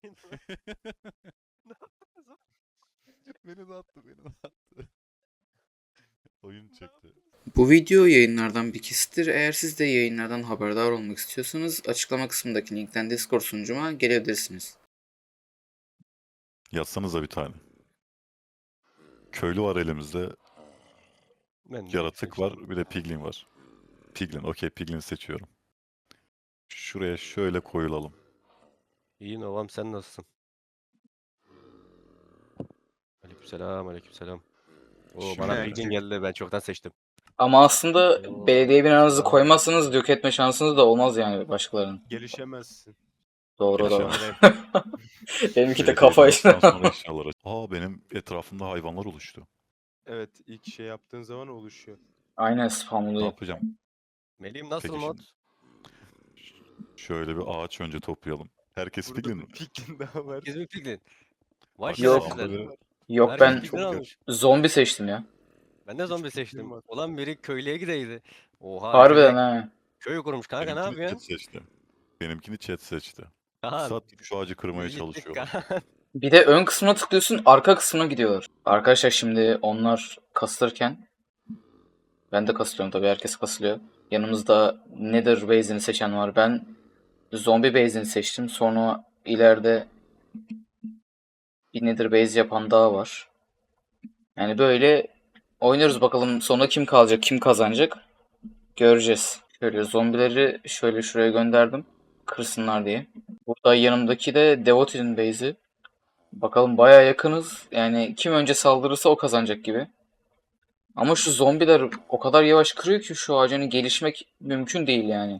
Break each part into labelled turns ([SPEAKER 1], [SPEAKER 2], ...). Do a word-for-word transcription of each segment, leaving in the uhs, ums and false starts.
[SPEAKER 1] Ne yaptınız oğlum?
[SPEAKER 2] Beni de attı, beni de attı. Oyun çekti.
[SPEAKER 3] Bu video yayınlardan bir kesittir. Eğer siz de yayınlardan haberdar olmak istiyorsanız açıklama kısmındaki linkten Discord sunucuma gelebilirsiniz.
[SPEAKER 2] Yazsanıza bir tane. Köylü var elimizde.
[SPEAKER 1] Ben de
[SPEAKER 2] Yaratık
[SPEAKER 1] seçtim.
[SPEAKER 2] var. Bir de piglin var. Piglin. Okey, piglin seçiyorum. Şuraya şöyle koyulalım.
[SPEAKER 1] İyiyim babam, sen nasılsın? Aleykümselam, aleykümselam. Oo, bana
[SPEAKER 2] Şimdi-
[SPEAKER 1] bilgin geldi, ben çoktan seçtim.
[SPEAKER 3] Ama aslında
[SPEAKER 1] Oo,
[SPEAKER 3] belediye binanızı
[SPEAKER 1] selam.
[SPEAKER 3] koymazsanız yok etme şansınız da olmaz yani başkalarının.
[SPEAKER 4] Gelişemezsin.
[SPEAKER 3] Doğru doğru.
[SPEAKER 2] Gelişemez.
[SPEAKER 3] Benimki de
[SPEAKER 2] Belediye
[SPEAKER 3] kafa işte.
[SPEAKER 2] binasından sonra eşyalar. Aa, benim etrafımda hayvanlar oluştu.
[SPEAKER 4] Evet, ilk şey yaptığın zaman oluşuyor.
[SPEAKER 3] Aynen
[SPEAKER 2] Ne
[SPEAKER 3] spamlıyor.
[SPEAKER 2] yapacağım?
[SPEAKER 1] Melih'im nasıl
[SPEAKER 2] Peki
[SPEAKER 1] mod?
[SPEAKER 2] Şöyle bir ağaç önce toplayalım. Herkes
[SPEAKER 4] Burada
[SPEAKER 2] piglin
[SPEAKER 4] bir
[SPEAKER 2] mi?
[SPEAKER 4] piglin daha var.
[SPEAKER 1] Herkes mi piglin? Vay
[SPEAKER 2] Bak,
[SPEAKER 3] Yok.
[SPEAKER 1] şerefsizler.
[SPEAKER 2] sağımda
[SPEAKER 3] Yok
[SPEAKER 1] Herkes
[SPEAKER 3] ben
[SPEAKER 1] piglin
[SPEAKER 2] çok
[SPEAKER 1] almış.
[SPEAKER 3] zombi seçtim ya.
[SPEAKER 1] Ben de zombi
[SPEAKER 4] Hiç fikrim
[SPEAKER 1] seçtim.
[SPEAKER 4] var.
[SPEAKER 1] Ulan biri köylüye gideydi. Oha,
[SPEAKER 3] Harbiden
[SPEAKER 1] köye,
[SPEAKER 3] ha.
[SPEAKER 1] köy kurmuş kanka, ne
[SPEAKER 2] Benimkini chat
[SPEAKER 1] yapıyorsun?
[SPEAKER 2] seçti. Benimkini chat seçti.
[SPEAKER 1] Kaan,
[SPEAKER 2] Saat şu ağacı kırmaya
[SPEAKER 1] yürü gittik
[SPEAKER 2] çalışıyorlar.
[SPEAKER 1] Kaan.
[SPEAKER 3] Bir de ön kısmına tıklıyorsun, arka kısmına gidiyorlar. Arkadaşlar şimdi onlar kasılırken ben de kasılıyorum tabii, herkes kasılıyor. Yanımızda Nether base'ini seçen var. Ben zombi base'ini seçtim. Sonra ileride bir Nether base yapan daha var. Yani böyle oynuyoruz, bakalım sonra kim kalacak, kim kazanacak göreceğiz. Şöyle zombileri şöyle şuraya gönderdim. Kırsınlar diye. Burada yanımdaki de Devotee'nin base'i. Bakalım bayağı yakınız. Yani kim önce saldırırsa o kazanacak gibi. Ama şu zombiler o kadar yavaş kırıyor ki şu ağacını gelişmek mümkün değil yani.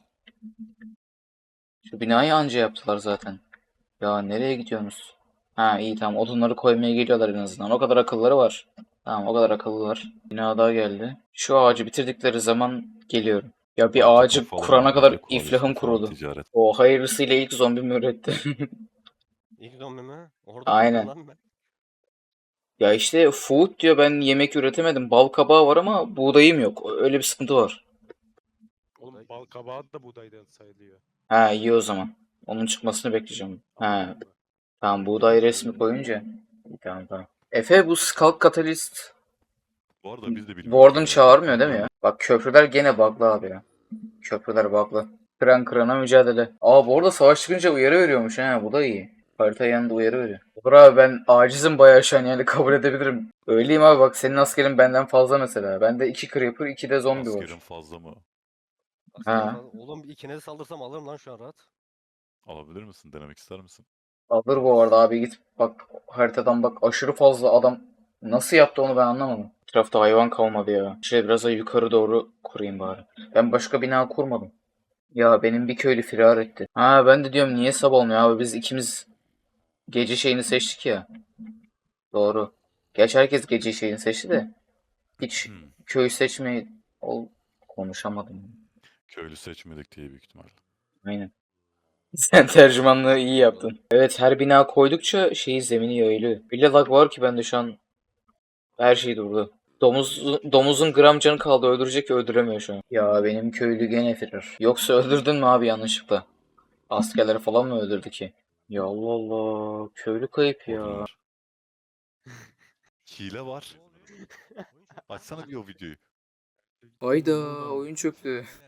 [SPEAKER 3] Şu binayı anca yaptılar zaten. Ya nereye gidiyorsunuz? Ha iyi tamam, odunları koymaya geliyorlar en azından. O kadar akılları var. Tamam, o kadar akıllılar. Bina daha geldi. Şu ağacı bitirdikleri zaman geliyorum. Ya bir
[SPEAKER 2] Parti
[SPEAKER 3] ağacı
[SPEAKER 2] kuralım
[SPEAKER 3] kurana
[SPEAKER 2] abi,
[SPEAKER 3] kadar
[SPEAKER 2] bence
[SPEAKER 3] iflahım
[SPEAKER 2] koalisyon falan,
[SPEAKER 3] kurudu.
[SPEAKER 2] ticaret.
[SPEAKER 3] O hayırlısıyla ilk zombimi üretti.
[SPEAKER 1] İlk zombi mi? Orada
[SPEAKER 3] Aynen.
[SPEAKER 1] mısın lan ben?
[SPEAKER 3] Ya işte food diyor, ben yemek üretemedim. Bal kabağı var ama buğdayım yok. Öyle bir sıkıntı var.
[SPEAKER 4] Oğlum bal kabağı da buğdaydan sayılıyor.
[SPEAKER 3] Ha iyi o zaman. Onun çıkmasını bekleyeceğim. Ha
[SPEAKER 4] Anladın mı?
[SPEAKER 3] tamam, buğday resmi koyunca. İyi, tamam tamam. Efe bu Skulk Catalyst
[SPEAKER 2] Bu arada biz de bilmiyoruz.
[SPEAKER 3] Warden
[SPEAKER 2] yani.
[SPEAKER 3] çağırmıyor değil mi ya? Bak köprüler gene bug'lı abi ya. Köprüler bug'lı. Kıran kırana mücadele. Aa bu arada savaş çıkınca uyarı veriyormuş ha, bu da iyi. Harita yanında uyarı veriyor. Olur abi, ben acizim bayağı şu an, yani kabul edebilirim. Öyleyim abi, bak senin askerin benden fazla mesela. Bende iki creeper, iki de zombi var.
[SPEAKER 2] Askerin fazla mı?
[SPEAKER 1] Askerim
[SPEAKER 3] Ha.
[SPEAKER 1] falan. Oğlum bir ikinize saldırsam alırım lan şu an rahat.
[SPEAKER 2] Alabilir misin? Denemek ister misin?
[SPEAKER 3] Alır bu arada abi, git bak haritadan bak, aşırı fazla adam nasıl yaptı onu ben anlamadım. Etrafta hayvan kalmadı ya. Şöyle biraz da yukarı doğru kurayım bari. Ben başka bina kurmadım. Ya benim bir köylü firar etti. Ha ben de diyorum niye sabah olmuyor abi, biz ikimiz gece şeyini seçtik ya. Doğru. Gerçi herkes gece şeyini seçti de hiç
[SPEAKER 2] Hmm.
[SPEAKER 3] köy seçmeyi ol konuşamadım.
[SPEAKER 2] Köylü seçmedik diye büyük ihtimalle.
[SPEAKER 3] Aynen. Sen tercümanlığı iyi yaptın. Evet, her bina koydukça şeyi, zemini yayılıyor. Öyle lag var ki bende şu an her şey durdu. Domuz, domuzun gram canı kaldı, öldürecek ki öldüremiyor şu an. Ya benim köylü gene firar. Yoksa öldürdün mü abi yanlışlıkla? Askerleri falan mı öldürdü ki? Ya Allah Allah, köylü kayıp ya.
[SPEAKER 2] Odunlar. Hile var. Açsana bir o videoyu.
[SPEAKER 3] Hayda, oyun çöktü.